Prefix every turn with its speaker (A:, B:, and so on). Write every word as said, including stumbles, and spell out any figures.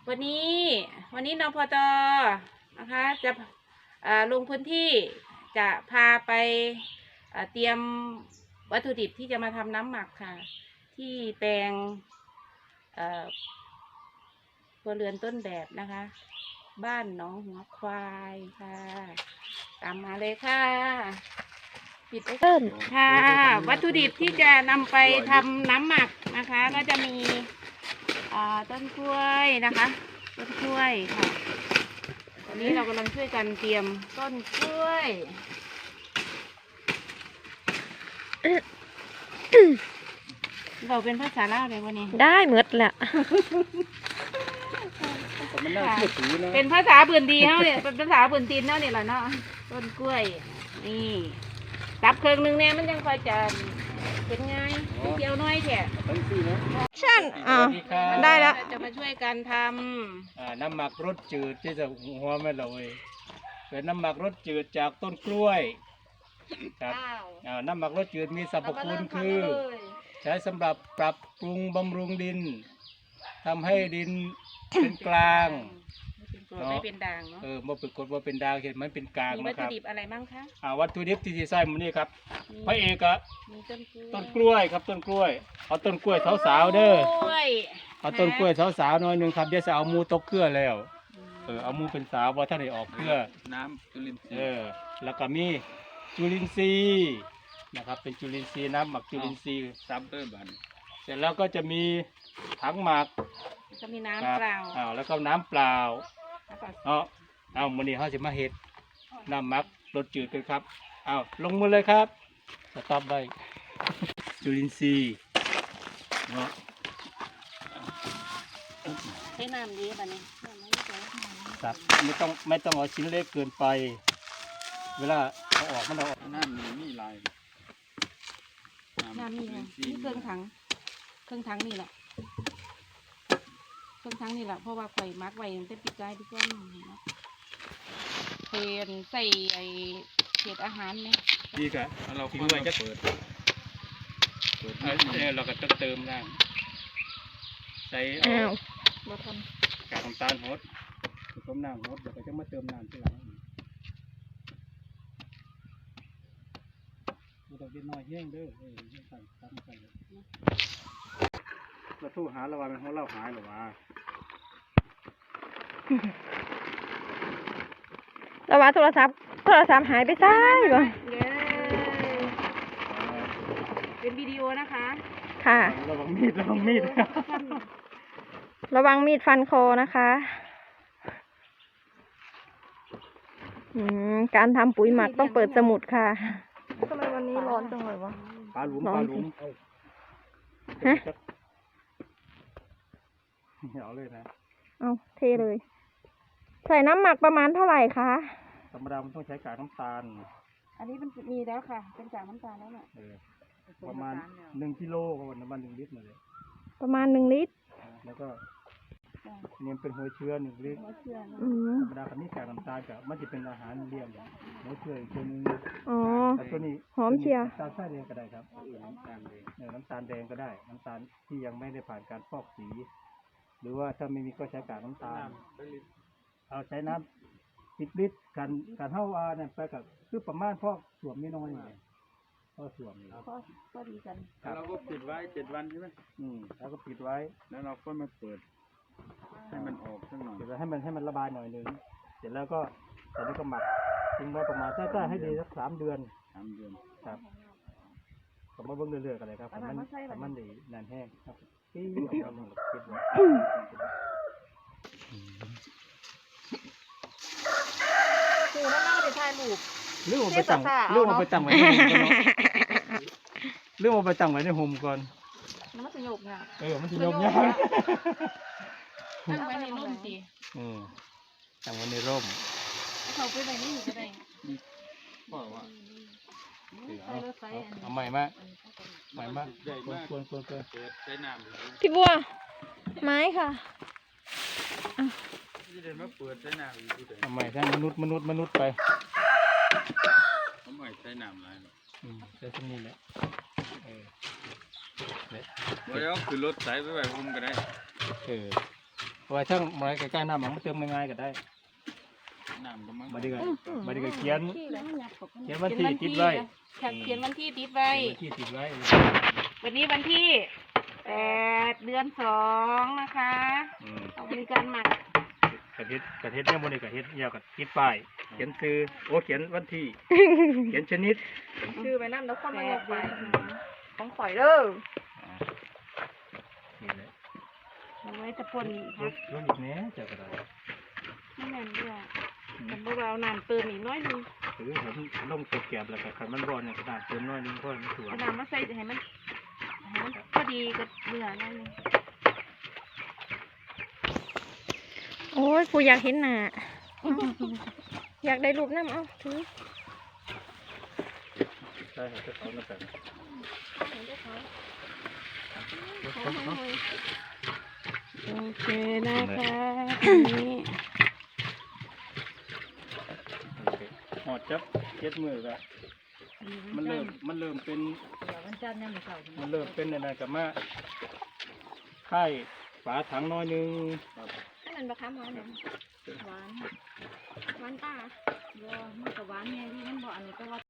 A: วันนี้วันนี้นพตนะคะจะลงพื้นที่จะพาไปเตรียมวัตถุดิบที่จะมาทำน้ำหมักค่ะที่แปลงครัวเรือนต้นแบบนะคะบ้านหนองหัวควายค่ะตามมาเลยค่ะปิดเริ่มค่ะวัตถุดิบที่จะนำไปทำน้ำหมักนะคะก็จะมีต้นกล้วยนะคะต้นกล้วยค่ะวันนี้เรากำลังช่วยกันเตรียมต้นกล้วยเราเป็นภาษาลาวเลยวันนี้
B: ได้หมดแหละ
A: เป็นภาษาพื้นดีเท่าเนี่ยเป็นภาษาพื้นถิ่นเท่าเนี่ยแหละเนาะต้นกล้วยนี่ตับเครื่องนึงเนี่ยมันยังคอยจะเป็นไงเกี่ยวน้อยแค่
B: ฉันอ่าได้แล้ว
A: จะมาช่วยกันทำ
C: น้ำหมักรสจืดที่จะหัวไม่เลยเป็นน้ำหมักรสจืดจากต้นกล้วยครับน้ำหมักรสจืดมีสรรพคุณคือใช้สำหรับปรับปรุงบำรุงดินทำให้ดินเป็นกลาง
A: ไม่เป็นด่างเนาะ
C: เออมาฝึกกดว่าเป็นด่างเห็นมันเป็นกลาง
A: นะครับมีวัตถุดิบอะไรบ้างคะ
C: อ่าวัตถุดิบที่ที่ใส่มันนี่ครับพระเอกอะต้นกล้วยครับต้นกล้วยเอาต้นกล้วยสาวๆเด้อเอาต้นกล้วยสาวๆหน่อยหนึ่งครับเดี๋ยวจะเอามูตกเครือแล้วเออเอามูเป็นสาวว่าท่านได้ออกเครือ
D: น้ำจุลินทรีย์
C: เออแล้วก็มีจุลินทรีย์นะครับเป็นจุลินทรีย์น้ำหมักจุลินทรีย์
D: ซับด้วยบัน
C: เสร็จแล้วก็จะมีถังหมัก
A: ก็มีน้ำเปล่า
C: อ้าวแล้วก็น้ำเปล่าเนาะเอาวันนี้เขาจะมาเห็ดน้ำหมักรสจืดกันครับเอาลงมือเลยครับสต็อปไว้จุลินทรีย์เนาะ
A: ใช้น้ำดีแบบนี้
C: ครับไม่ต้องไม่ต้องเอาชิ้นเล็กเกินไปเวลาเอาออกมันเอาออก
D: น้ำมีมีลาย
A: น้ำมีนี่เครื่องถังเครื่องถังนี่แหละเครื่องถังนี่แหละเพราะว่าไข่มักไว้มันจะปิดใจพี่ก้อนเป็นใส่ไอเศษอาหารเนี่ย
C: ดีกะเราทิ้งไว้จะเปิดเปิดเราก็ต้องเติมน้ำใส่เอากากน้ำตาลฮดต้มน้ำฮดเดี๋ยวก็จะมาเติมน้ำทีหลังเราต้องกินน้อยแห้งเด้อเออใส่ตั้งใส่เราทู่หาเราว่ามันเขาเล่าหายหรือว่า
B: เราว่าโทรศัพท์โทรศัพท์หายไปซ้ายก่อน
A: เป็นวิดีโอนะคะ
B: ค่ะ
C: ระวังมีดระวังมีด
B: ระวังมีดฟันคอนะคะอืมการทำปุ๋ยหมักต้องเปิดสมุดค่ะทำไมวันนี้ร้อนจังเลยวะ
C: ปลาหลุมปลาหลุม
B: ฮะ
C: เอาเลยนะ
B: เอาเทเลยใส่น้ำหมักประมาณเท่าไหร่คะ
C: ธรรมดามันต้องใช้กากน้ำตาล
A: อันนี้มันมีแล้วค่ะเป็นกากน้ำตาลแล้วเนี่ย
C: ประมาณหนึ่งกิโลประมาณหนึ่งลิตรเลย
B: ประมาณหนึ่งลิตร
C: แล้วก็เนี่ยเป็นหัวเชื้อหนึ่งลิตรธรรมดาคันนี้กากน้ำตาลกับมันจะเป็นอาหารเลี้ยงหัวเชื้ออีกตัวนึง
B: อ๋อ
C: ตัวนี้
B: หอมเชียว
C: น้ำตาลทรายแดงก็ได้ครับน้ำตาลแดงเนี่ยน้ำตาลแดงก็ได้น้ำตาลที่ยังไม่ได้ผ่านการฟอกสีหรือว่าถ้าไม่มีก็ใช้กากน้ำตาลเอาใช้น้ำสิบลิตรกันกันเท่าอาเนี่ยไปกับคือประมาณพอกสวมไม่น้อยเลยพอสวมเลย
A: ก็ดีกัน
D: เราก็ปิดไว้เจ็ดวันใช่ไหม
C: อืมแล้วก็ปิดไว้
D: แล้วเราก็มาเปิดให้มันออกสักหน่อย
C: เดี๋ยวให้มันให้มันระบายหน่อยนึงเสร็จแล้วก็เสร็จแล้วก็หมักทิ้งไว้ประมาณใกล้ๆให้ดีสักสามเดือน
D: สามเดือน
C: ครับผมมาเบิ่งเรื่อยๆกันเลยครับมันมันดีนานแห้งครับที่เอาลงปิดไว้
A: คือถ้าเราไปถ่ายรูป
C: เรื่องไปตั้งเรื่องไปตั้งไว้ในโฮมก่อนเรื่องไปตั้งไว้ในโฮมก่อน
A: มันจะโยกเนี่ย
C: เออมันจะโยกเนี่ย
A: ตั้งไว้ในร่มสิ
C: อืมตั้งไว้ในร่ม
A: เขาไปไหนนี่อยู่ก็ได้
D: บอกว่า
C: เอาใหม่มาใหม่มาใหญ่มากควรควรเปิด
D: ใช้น้ำ
B: พี่บัวไม้ค่ะ
D: ที่เดินมาเปิดใช้น้ำอยู่ที่ไหน
C: เอาใหม่ถ้ามนุษย์มนุษย์มนุษย์ไป
D: เอาใหม่ใช้น้ำอะไร
C: อืมใช้ที่นี่แหละเออ
D: แล้วคือรถใส่ไปแบบพุ่มก็ได้
C: เออเพราะว่าช่างมาใกล้ๆน้ำมันเติมง่ายๆก็ได้
D: น้ำก็มัน
C: บัดนี้ก็บัดนี้ก็เขียน
B: ขี้เลย
C: เขียนวันที่ติดไว้
A: เขียนวันที่ติดไว้
C: เขียนวันที่ติดไว้
A: วันนี้วันที่แปดเดือนสองนะคะ
C: อืม
A: เอามีการหมัก
C: กระเฮ็ดกระเฮ็ดเนี่ยมันนี่กระเฮ็ดเหี่ยวกับติดป้ายเขียนซื้อโอ้เขียนวันที่ เขียนชนิด
B: ชื่อไปนั่นแล้วคน
A: แป
B: มาย
A: ด
B: กไป
A: เดือน
B: ของข่อยเด้อ
C: นี่แหละ
A: เอาไว้ตะปน
C: ลดลดอีกแหน่เจ้าก็ได้
A: ไม่แน่นด้วยแต่พวกเราน้ำเติมอีกน้อยหนึง
C: หรือเห็นลงตกแกบแล้วก็ขันมันร้อนเนี่ยกระดาษเติมน้อยนึงเพราะมันสวย
A: เอาน้ำมาใส่ให้มันให้มันพอดีกับเนื้อหน่อยหนึง
B: โอ้ยกูอยากเห็นหน้า อยากได้รูปน้ำเอาถือ
C: ใช่ครับจะเขามาแต่ง
A: โอเคนะคะทีนี้
C: โอเคหอดจับเจ็ดมือก็มันเริ่มมันเริ่มเป็นมันเริ่มเป็นอะไรกับมาค่ายฝาถังน้อยนึง
B: อันนั้นบะคำหวานหยังหวานหวานตา
A: บ่มันก็หวานแน่ที่มันบ่อันนี้ก็ว่า